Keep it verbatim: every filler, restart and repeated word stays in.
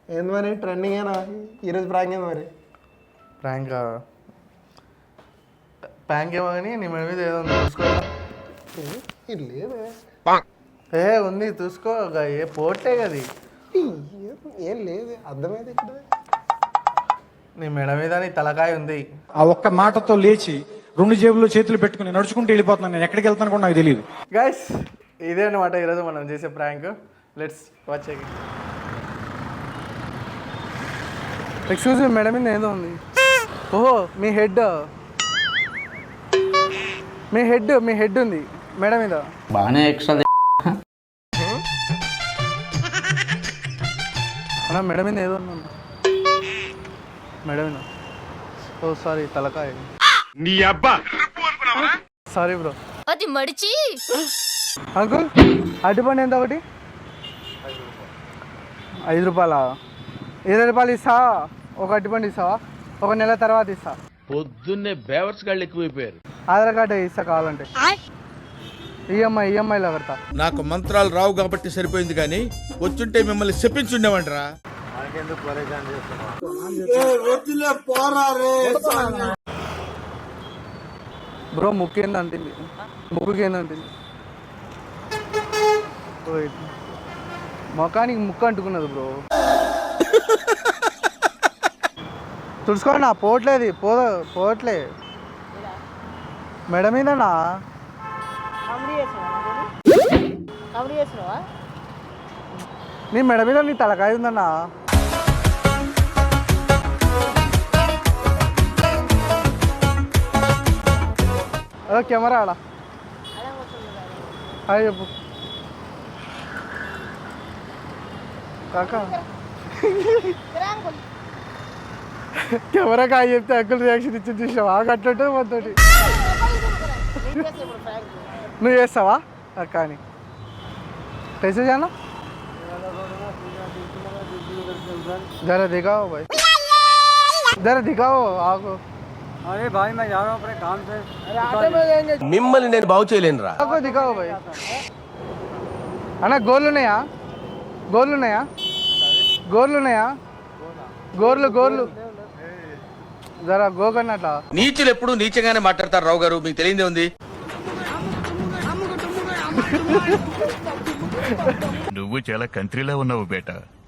ఏంది మరి ట్రెండింగ్ ఏనా ఈరోజు ప్రాంక్ ఏంది మరి? ప్రాంక్ ప్రాంక్ ఏమో కానీ నీ మీద ఏదో ఉంది చూసుకో. ఇది లేదే. ఏ ఉంది చూసుకో, ఏ పోటే కది ఏం లేదు, అర్థమైంది ఇక్కడ. నీ మెడ మీద నీ తలకాయ ఉంది. ఆ ఒక్క మాటతో లేచి రెండు జేబుల్లో చేతులు పెట్టుకుని నడుచుకుంటూ వెళ్ళిపోతున్నాను. నేను ఎక్కడికి వెళ్తాను కూడా నాకు తెలియదు. గైస్ ఇదే అనమాట ఈరోజు మనం చేసే prank. Let's watch it. Excuse me, madam మీద ఏదో ఉంది. ఓహో మీ హెడ్, మీ హెడ్ మీ హెడ్ ఉంది మేడం మీద. బాగానే ఎక్స్ట్రా అన్నా మేడం మీద ఏదో ఉంది. మేడం మీద. ఓ సారీ, తలకాయ. నీ అబ్బా సారీ బ్రో. అది మడిచి అంకుల్ అరటిపండు ఎంత ఒకటి? ఐదు రూపాయలా? ఇరవై రూపాయలు ఇస్తా, ఒక అరటిపండు ఇస్తావా? ఒక నెల తర్వాత ఇస్తా. పొద్దున్నే బేవర్స్ గాళ్ళు ఎక్కువైపోయారు. ఆధార్ కార్డు ఇస్తా కావాలంటే. ఈఎంఐ ఈఎంఐలో కడతా. నాకు మంత్రాలు రావు కాబట్టి సరిపోయింది, కానీ వచ్చుంటే మిమ్మల్ని చెప్పించుండేవంటరా. బ్రో ముక్కు ఏందంటుంది, ముక్కుకి ఏందంటుంది. మొఖానికి ముక్కు అంటుకున్నది బ్రో. తుడుచుకోండి నా పోవట్లేదు, పో పోవట్లే మేడం మీదనా. నీ మెడ మీద నీ తలకాయ ఉందన్నా. అదో కెమెరా ఆడ. హాయ్ చెప్పు కాకా. కెమెరా కాయ చెప్తే అంకుల్ రియాక్షన్ ఇచ్చి చూసావా? అట్లంటే మొత్తటి నువ్వు చేస్తావా కానీ कैसे जाना? जरा दिखाओ भाई, जरा दिखाओ आपको. अरे भाई मैं जा रहा हूँ अपने काम से. अरे आटे में जाएंगे. మిమ్మల్ని నేను బాగు చేయలేనురా. आपको दिखाओ भाई. అన్న గోర్లు ఉన్నాయా? గోర్లు ఉన్నాయా? గోర్లు ఉన్నాయా? గోర్లు గోర్లు జరా గోకన్నట్లా. నీచులు ఎప్పుడు నీచంగానే మాట్లాడతారు రావు గారు, మీకు తెలియదే ఉంది. నువ్వు చాలా కంట్రీలో ఉన్నావు బేటా.